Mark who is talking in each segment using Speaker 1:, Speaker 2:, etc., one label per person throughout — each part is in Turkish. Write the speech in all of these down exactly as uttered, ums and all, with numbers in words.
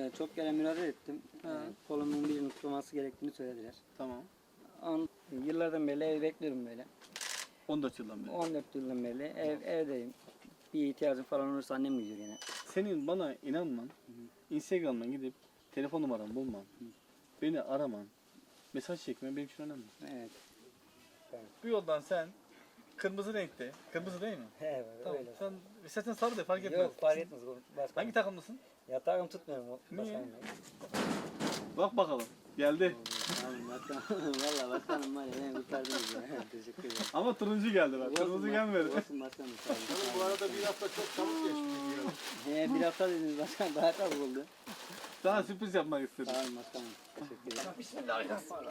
Speaker 1: Ee, çok kere müracaat ettim. Ee, kolumun birinin tutulması gerektiğini söylediler.
Speaker 2: Tamam.
Speaker 1: On, yıllardan beri ev bekliyorum böyle.
Speaker 2: on dört yıldan beri.
Speaker 1: on dört yıldan beri ev, evdeyim. Bir ihtiyacım falan olursa annem gidiyor yine.
Speaker 2: Senin bana inanman, Instagram'dan gidip telefon numaramı bulman, beni araman, mesaj çekmen benim için önemli.
Speaker 1: Evet.
Speaker 2: Bu yoldan sen kırmızı renkte, kırmızı değil mi?
Speaker 1: Evet,
Speaker 2: Tamam.
Speaker 1: öyle.
Speaker 2: Sen istersen sarı de fark etmez.
Speaker 1: Yok fark etmez. Başkanım.
Speaker 2: Hangi takımlısın?
Speaker 1: Yatağım tutmuyorum.
Speaker 2: Niye?
Speaker 1: Başkanım.
Speaker 2: Bak bakalım. Geldi.
Speaker 1: Tamam başkanım. Valla başkanım var ya beni kurtardınız ya. Teşekkür ederim.
Speaker 2: Ama turuncu geldi bak. Kırmızı
Speaker 1: Olsun,
Speaker 2: gelmedi.
Speaker 1: Olsun başkanım. Sağ olun.
Speaker 3: Bu arada bir hafta çok çabuk geçti diyor.
Speaker 1: He, bir hafta dediniz başkanım. Daha çabuk oldu.
Speaker 2: Sana sürpriz yapmak istedim.
Speaker 1: Sağ olun başkanım. Teşekkür ederim.
Speaker 3: Bismillahirrahmanirrahim.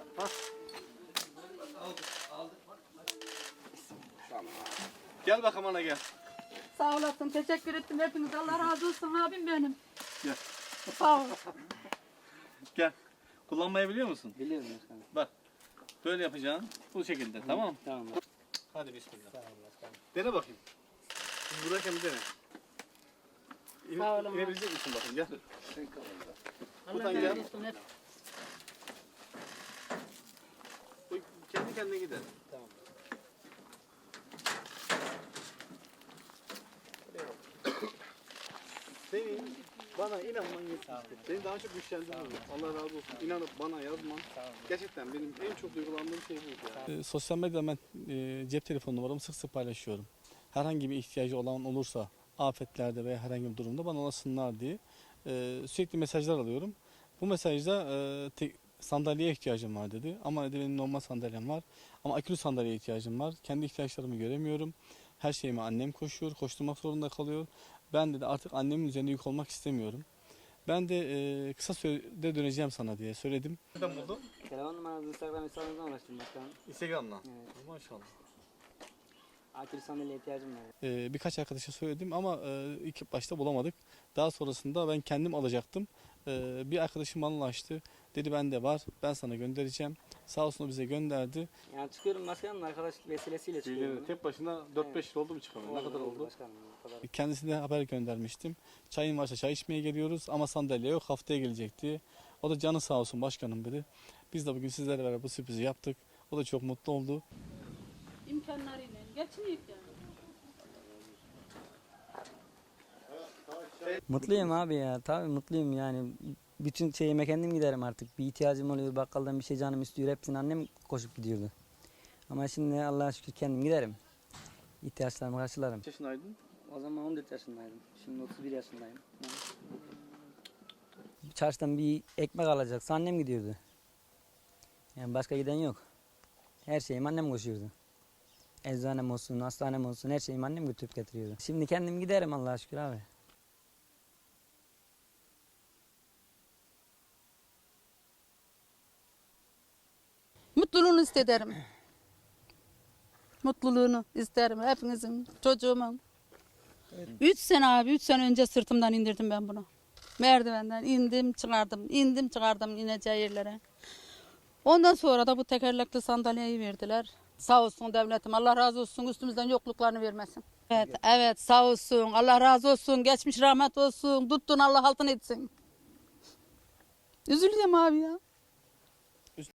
Speaker 2: Gel bakalım ana gel.
Speaker 4: Sağ olasın, teşekkür ettim hepiniz. Allah razı olsun abim benim.
Speaker 2: Gel.
Speaker 4: Sağ ol.
Speaker 2: Gel. Kullanmayı biliyor musun?
Speaker 1: Biliyorum başkanım.
Speaker 2: Bak. Böyle yapacaksın. Bu şekilde. Tamam mı?
Speaker 1: Tamam.
Speaker 2: Hadi bismillah.
Speaker 1: Sağ olun başkanım.
Speaker 2: Dene bakayım. Şimdi buradayken bir dene. İn,
Speaker 4: Sağ olun.
Speaker 2: İnebilecek misin bakayım gel.
Speaker 4: Allah
Speaker 2: Buradan
Speaker 4: razı
Speaker 2: gel.
Speaker 4: olsun. hep.
Speaker 2: Bu kendi kendine gider.
Speaker 1: Tamam.
Speaker 2: Senin bana inanman yeterli. Seni daha çok güçlendirmem. Allah razı olsun. İnanıp bana yazman. Gerçekten benim en çok duygulandığım şey bu. Ya. E, sosyal medyada ben e, cep telefonu numaramı sık sık paylaşıyorum. Herhangi bir ihtiyacı olan olursa afetlerde veya herhangi bir durumda bana ulaşsınlar diye e, sürekli mesajlar alıyorum. Bu mesajda e, te, sandalyeye ihtiyacım var dedi. Ama dedi benim normal sandalyem var. Ama akülü sandalyeye ihtiyacım var. Kendi ihtiyaçlarımı göremiyorum. Her şeyimi annem koşuyor, koşturmak zorunda kalıyor. Ben dedi artık annemin üzerine yük olmak istemiyorum. Ben de e, kısa sürede döneceğim sana diye söyledim. Nereden buldun?
Speaker 1: Telefon numaranızı Instagram hesabınızdan ulaştım başkanım.
Speaker 2: Instagram'dan.
Speaker 1: Evet.
Speaker 2: Maşallah.
Speaker 1: Akil sandalyeye ihtiyacım var.
Speaker 2: Ee, birkaç arkadaşa söyledim ama e, ilk başta bulamadık. Daha sonrasında ben kendim alacaktım. Ee, bir arkadaşım bana ulaştı. Dedi bende var. Ben sana göndereceğim. Sağ olsun o bize gönderdi.
Speaker 1: Yani çıkıyorum başkanım arkadaşlık vesilesiyle çıkıyorum.
Speaker 2: Tek başına dört beş yıl oldu mu çıkalım? Ne kadar oldu?
Speaker 1: Başkanım, o kadar.
Speaker 2: Kendisine haber göndermiştim. Çayın varsa çay içmeye geliyoruz ama sandalye yok haftaya gelecek diye. O da canı sağ olsun başkanım dedi. Biz de bugün sizlerle beraber bu sürprizi yaptık. O da çok mutlu oldu.
Speaker 4: İmkanlarıyla geçineyim yani.
Speaker 1: Mutluyum abi ya. Tabii mutluyum yani. Bütün şeyime kendim giderim artık. Bir ihtiyacım oluyor. Bakkaldan bir şey canım istiyor. Hepsini annem koşup gidiyordu. Ama şimdi Allah'a şükür kendim giderim. İhtiyaçlarımı karşılarım.
Speaker 2: Kaç yaşındaydın?
Speaker 1: O zaman on dört yaşındaydım. Şimdi otuz bir yaşındayım. Çarşıdan bir ekmek alacaksa annem gidiyordu. Yani başka giden yok. Her şeyim annem koşuyordu. Eczanem olsun, hastanem olsun her şeyimi annem götürüp getiriyordu. Şimdi kendim giderim Allah'a şükür abi.
Speaker 4: Mutluluğunu isterim. Mutluluğunu isterim hepinizin, çocuğumun. Evet. Üç sene abi, üç sene önce sırtımdan indirdim ben bunu. Merdivenden indim, çıkardım, indim, çıkardım ineceği yerlere. Ondan sonra da bu tekerlekli sandalyeyi verdiler. Sağ olsun devletim, Allah razı olsun, üstümüzden yokluklarını vermesin. Evet, evet sağ olsun, Allah razı olsun, geçmiş rahmet olsun, tuttun Allah altın etsin. Üzülüyorum abi ya.